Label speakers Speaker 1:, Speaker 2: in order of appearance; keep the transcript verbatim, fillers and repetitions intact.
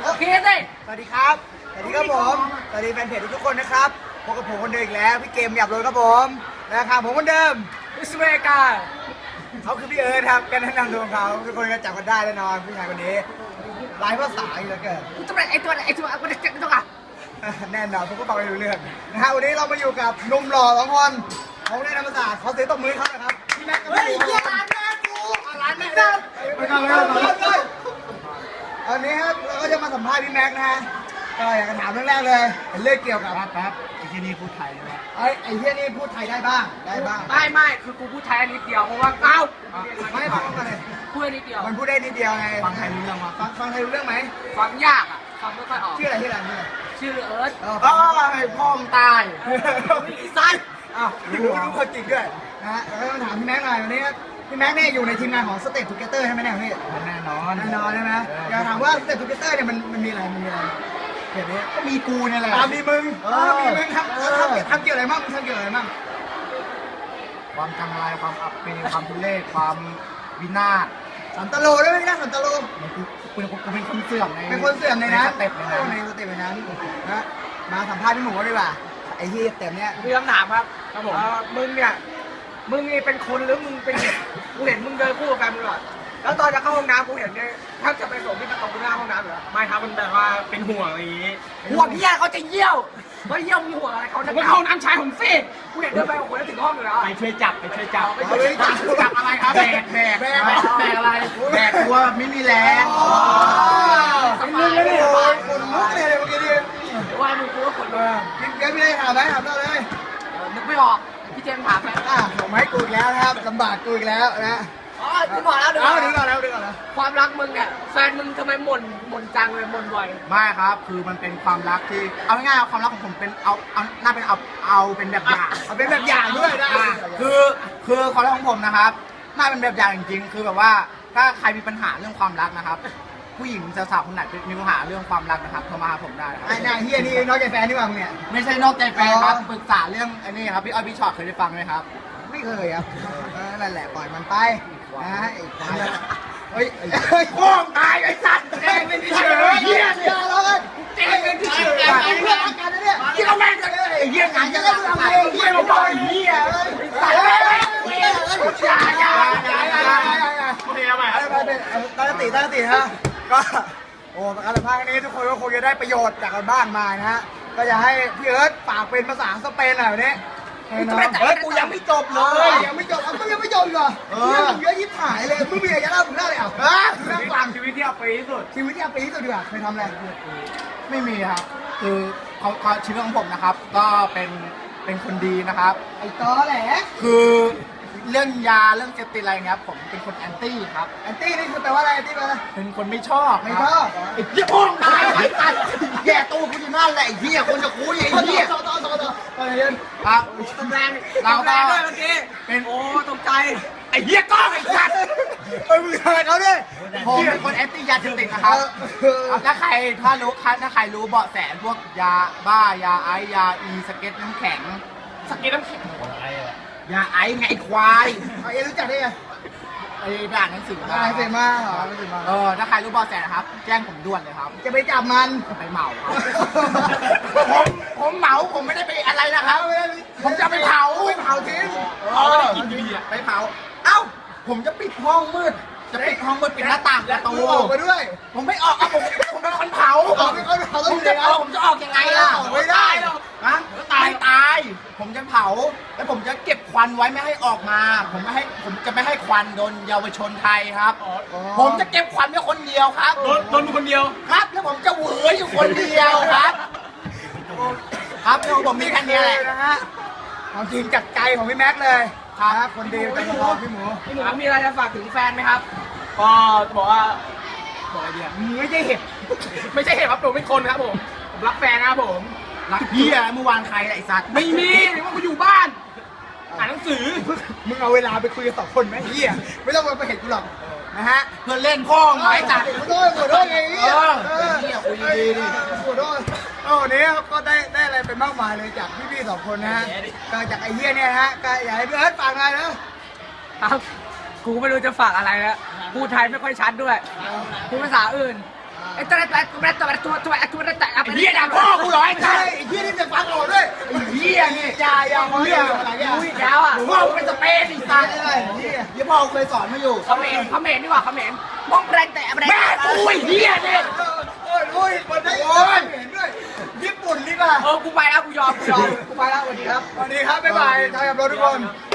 Speaker 1: โอเคสิ
Speaker 2: สวัสดีครับสวัสดีครับผมสวัสดีแฟนเพจทุกคนนะครับพบกับผมคนเดิมอีกแล้วพี่เกมหยับเลยครับผมนะครับผมคนเดิม
Speaker 1: อิสเมกา
Speaker 2: เขาคือพี่เอิร์ธครับการแนะนำตัวของเขาทุกคนก็จับกันได้แน่นอนผู้ชายคนนี้หลายภาษาอยู่แล้วเกิน
Speaker 1: ตัวไหนไอตัวไอตัวไอตัวไอตัวอะ
Speaker 2: แน่นอนผมก็ฟังไม่รู้เรื่องนะฮะวันนี้เรามาอยู่กับหนุ่มหล่อสองคนเขาได้ธรรมศาสตร์เขาเสียตบมือเขานะครับพี่แม็กกับพี่หมูร้านแม่กูร้านแม่กูไม่ทำไม่ทำเลยอันนี้ครับเราก็จะมาสัมภาษณ์พี่แม็กนะฮะก็อยากจะถามเรื่องแรกเลยเป็นเรื่องเกี่ยวกับ
Speaker 3: แป๊บไอ้ที่นี่พูดไทยใช่ไหม
Speaker 2: ไอ้ไอ้เฮียนี่พูดไทยได้บ้างได้บ้าง
Speaker 1: ไม่ไม่คือกูพูดไทยนิดเดียวเพราะว่าเอ้า
Speaker 2: ไม่ฟังกันเลย
Speaker 1: พูดนิดเดียว
Speaker 2: มันพูดได้นิดเดียวไง
Speaker 3: ฟังไทยรู้เรื่องมั้ย
Speaker 2: ฟังฟังไทยรู้เรื่องไหม
Speaker 1: ฟังยากอ่ะฟังไม่ค่อยออก
Speaker 2: ชื่ออะไรชื่ออะไรชื่ออะไร
Speaker 1: ชื่อเอิร์ธ
Speaker 2: อ๋อ
Speaker 3: อ๋อไอ้พ่อมตาย
Speaker 2: อีสันอ้าวรู้รู้คนจริงด้วยนะฮะแล้วก็มาถามพี่แม็กหน่อยวันนี้พี่แม็กเนี่ยอยู่ในทีมงานของ Step Together ใช่ไหมเนี่ยพี่
Speaker 3: แน่นอน
Speaker 2: แน่นอนใช่ไหมอยากถามว่า Step Together เนี่ยมันมันมีอะไรมันมีอะไรเกี่ยวนี้
Speaker 3: ก็มีกูเนี่ยแหละ
Speaker 2: ตามมีมึง
Speaker 3: เอ
Speaker 2: เอ
Speaker 3: อ
Speaker 2: อมีมึงทำเออทำทำเกี่ยวอะไรบ้างมึงทำเกี่ยวอะไรบ้าง
Speaker 3: ความจังไรความอับปีความทุเรศความวินาศ
Speaker 2: สันตโลด้วยไหมนะสันตโล
Speaker 3: มันกูกูกูเป็นคนเสื่อมใน
Speaker 2: เป็นคนเสื่อมในนั้น
Speaker 3: สเต็ปในนั้น
Speaker 2: ในสเต็ปในนั้นนะมาสัมภาษณ์พี่หมูดีกว่าไอ้ที่สเต็ปเนี้ย
Speaker 1: มีคำถามครับครับผมมึงเนี่ยมึงนี่เป็นคนหรือมึงเป็นกูเห็นมึงเดินคู่กับแฟนมึงก่อนแล้วตอนจะเข้าห้องน้ำกูเห็นเนี่ยถ้าจะไปส่งที่ประตูหน้าห้องน้ำเหรอไม่ครับมันแบบว่าเป็นห่วงอะไรอย่างงี้ห่วงที่ยเขาจะเยี่ยวเฮ้ยเยี่ยวมีห่วงอะไรเขาจะเข้าน้ำชายผมสิกูเห็นเดินไปโอ้โหถึงห้องอยู่แล้ว
Speaker 3: ไปช่วยจับไปช่วยจับ
Speaker 1: ไปช่วยจับ
Speaker 3: จับอะไรครับแบกแบกแบกแบกอะไรแบกตัวไม่มีแรง
Speaker 2: สบายเลยโอ้ยคนลุกเลยเมื่อกี้นี่
Speaker 1: ว่ามึงกูก็ขนลุก
Speaker 2: พี่เกมพี่ได้ถามไหมถามเราเลย
Speaker 1: นึกไม่ออกพี่เจมส์ถามไป
Speaker 2: อ่ะส่งไม้กูอีกแล้วนะครับลำบากกูอีกแล้วนะ
Speaker 1: อ๋อพี่บอกแล้วเดี๋ยว
Speaker 2: เอาดึงก่อนแล้วดึงก่อนแล้ว
Speaker 1: ความรักมึงเนี่ยแฟนมึงทำไมหม่นหม่นจังเลยหม่นบ่อย
Speaker 3: ไม่ครับคือมันเป็นความรักที่เอาง่ายๆความรักของผมเป็นเอาเอาน่าเป็นเอาเอาเป็นแบบอย่าง
Speaker 2: เอาเป็นแบบอย่างด้วยนะ
Speaker 3: อ่ะคือคือความรักของผมนะครับน่าเป็นแบบอย่างจริงๆคือแบบว่าถ้าใครมีปัญหาเรื่องความรักนะครับ ผู้หญิงสาวๆคนไหนมีปัญหาเรื่องความรักนะครับโทรมาหาผมได้ครับ
Speaker 2: ไอ้นายเฮียนี่น้อยใจแฟนนี่หว่ามึงเนี่ย
Speaker 3: ไม่ใช่นอกใจแฟนครับ
Speaker 2: อ๋อ
Speaker 3: ปรึกษาเรื่องไอ้นี่ครับพี่อ้อยพี่ชอตเคยได้ฟังไหมครับ
Speaker 2: ไม่เคยครับเออนั่นแหละปล่อยมันไปนะไอ้ควายเฮ้ยเฮ้ยพ่อตายไอ้สัตว์แกงเป็นที่เฉยเฮียเนี่ยเราเลยแกงเป็นที่เฉยเพื่อนกันนะเนี่ยที่เราแม่งกันเลยไอ้เฮียงานจะเล่นอะไรเฮียเราบอกไอ้เฮียเลยตายเลยเฮียเลยอย่าอย่าอย่าอย่าอย่า
Speaker 3: โอเคเอาใหม่ครับ
Speaker 2: ไปไปตั้งสติตั้งสติฮะก็โอ้การสัมภาษณ์ครั้งนี้ทุกคนก็คงจะได้ประโยชน์จากกันบ้างมานะฮะก็จะให้พี่เอิร์ธฝากเป็นภาษาสเปนหน่อยวันนี้เฮ้ยกูยังไม่จบเลยยังไม่จบมึงยังไม่จบเหรอเออเยอะยิบหายเลยมึงมีอะไรจะเล่ามึงเล่าเลยอ่ะฮะมึงเล่าฟัง
Speaker 3: ชีวิตที่เอาไปที่สุด
Speaker 2: ชีวิตที่เอาปีที่สุดดีกว่าเคยทำอะไร
Speaker 3: ไม่มีครับ คือเขาเขาชีวิตของผมนะครับ ก็เป็นเป็นคนดีนะครับ
Speaker 2: ไอ้ตอแหละ
Speaker 3: คือเรื่องยาเรื่องเสพติดอะไรเงี้ยผมเป็นคนแอนตี้ครับ
Speaker 2: แอนตี้นี่คือแปลว่าอะไรแอนตี้แปลว่า
Speaker 3: เป็นคนไม่ชอบ
Speaker 2: ไม่
Speaker 3: ค
Speaker 2: ช
Speaker 3: รับ
Speaker 2: อบ
Speaker 3: ไอ้เหี้ยพ่องตายไอ้สัตว์แย่ตัวกูอยู่นั่นแหละไอ้เหี้ยคนจะคุยไอ้เหี้ย
Speaker 2: ต่อต่อต่อต่อต่อเรียน
Speaker 3: ครับ
Speaker 1: ตำแรง
Speaker 3: เราก็
Speaker 1: ตำแรงด้วยเมื่อกี้
Speaker 3: เป็น
Speaker 1: โอ้ตกใจ
Speaker 3: ไอ้เหี้ยก้องไอ้สัตว์
Speaker 2: ไปมึงทำอะไรเขาเนี่ย
Speaker 3: ผมเป็นคนแอนตี้ยาเสพติดนะครับครับถ้าใครถ้ารู้ถ้าใครรู้เบาะแสพวกยาบ้ายาไอยาอีสเก็ตน้ำแข็ง
Speaker 1: สกินน้ำแข็ง
Speaker 3: ยาไอไงไอ้ควาย
Speaker 2: เอาเอ็รู้จักได้ไง
Speaker 3: ไอ้ไปอ่านหนังสือมา
Speaker 2: อะไรเสร็จมาเหรอเสร็จมา
Speaker 3: เออถ้าใครรู้เบาะแสนะครับ แจ้งผมด่วนเลยครับ
Speaker 2: จะไปจับมัน
Speaker 3: ไปเหมาครับผมผมเหมาผมไม่ได้ไปอะไรนะครับ ผมจะไปเผา
Speaker 2: ไปเผาทิ้ง
Speaker 3: เออไปเผา เอ้า ผมจะปิดห้องมืด จะปิดห้องมืดปิดหน้าต่างประตู
Speaker 2: ออกมาด้วย
Speaker 3: ผมไม่ออกอ่ะผมผมเป็นคนเผา
Speaker 2: ออกไปก่อนเผา
Speaker 3: ผ
Speaker 2: ต้อง
Speaker 3: ม
Speaker 2: เสี
Speaker 3: จะ
Speaker 2: ย
Speaker 3: ออกผมจะออกยังไงล่ะ
Speaker 2: ออกไม่ได้หรอก
Speaker 3: ฮะตายตาย ผมจะเผา แล้วผมจะเก็บควันไว้ไม่ให้ออกมา ผมไม่ให้ผมจะไม่ให้ควันโดนเยาวชนไทยครับ ผมจะเก็บควันไว้คนเดียวครับ
Speaker 1: โดนโดนคนเดียว
Speaker 3: ครับแล้วผมจะเหวออยู่คนเดียวครับ ครับแล้วผมมีแค่นี้แหละ
Speaker 2: นะฮะความจริงจากใจของพี่แม็กซ์เลยครับคนดีเป็นคนพี่หมู
Speaker 1: พี่หมูมีอะไรจะฝากถึงแฟนไหมครับ
Speaker 4: ก็บอกว่าบอกอะไรดีอะ
Speaker 2: มึงไม่ใช่เห็บ
Speaker 4: ไม่ใช่เหตุครับผมเป็นคนครับผมผมรักแฟนนะครับผม
Speaker 3: รักเฮียเมื่อวานใครไอ้สัตว์
Speaker 4: ไม่มีหรือว่ากูอยู่บ้านอ่านหนังสือ
Speaker 2: มึงเอาเวลาไปคุยกับสองคนไหมเฮียไม่ต้องมาเห็นกูหรอกนะฮะ
Speaker 3: เพื่อนเล่นพ่อไม้จัด
Speaker 2: ขอโทษขอโทษไงเฮีย
Speaker 3: เออเฮียคุยดีๆดิ
Speaker 2: ขอโทษโอ้วันนี้ก็ได้ได้อะไรไปมากมายเลยจากพี่ๆสองคนนะฮะก็จากไอ้เฮียเนี่ยนะฮะก็อยากให้พี่เอิร์ธฟังอะไรนะครับ
Speaker 1: กูไม่รู้จะฝากอะไรแล้วพูดไทยไม่ค่อยชัดด้วยพูดภาษาอื่น
Speaker 2: อ่า
Speaker 1: ไอ้ตัวตัวตัวตัวตัวตัวตัวตัว
Speaker 3: ไอ้เหี้ยด่าพ่อกูเหรอไอ้
Speaker 2: ใช่
Speaker 3: สัส
Speaker 2: ไอ้ที่นี่จะฟังออกด้วยไอ้เหี้ยนี่อย่าอย่าเหี้ยอะไรเนี่ย
Speaker 1: อุ้ยแล้วอ่ะ
Speaker 3: พ่อกูเป็นสเปซไอ้สั
Speaker 2: ตาย
Speaker 3: ส
Speaker 2: ได้เหี้ยยี่พ่อเคยสอนมาอยู่
Speaker 1: เขาเมนเขาเมนดีกว่าเขาเมนมองแรงแต่แรง
Speaker 3: แม่กูไอ้เหี้ยเนี่ย
Speaker 2: โอ้ยโอ้ยมันได้โอ้ยเห็นด้วยญี่ปุ่นนี่ป่ะ
Speaker 1: เออกูไปแล้วกูยอมกูยอมกูไปแล้วสวัสดีครับ
Speaker 2: สวัสดีครับบ๊ายบายทายกับเราทุกคน
Speaker 1: ค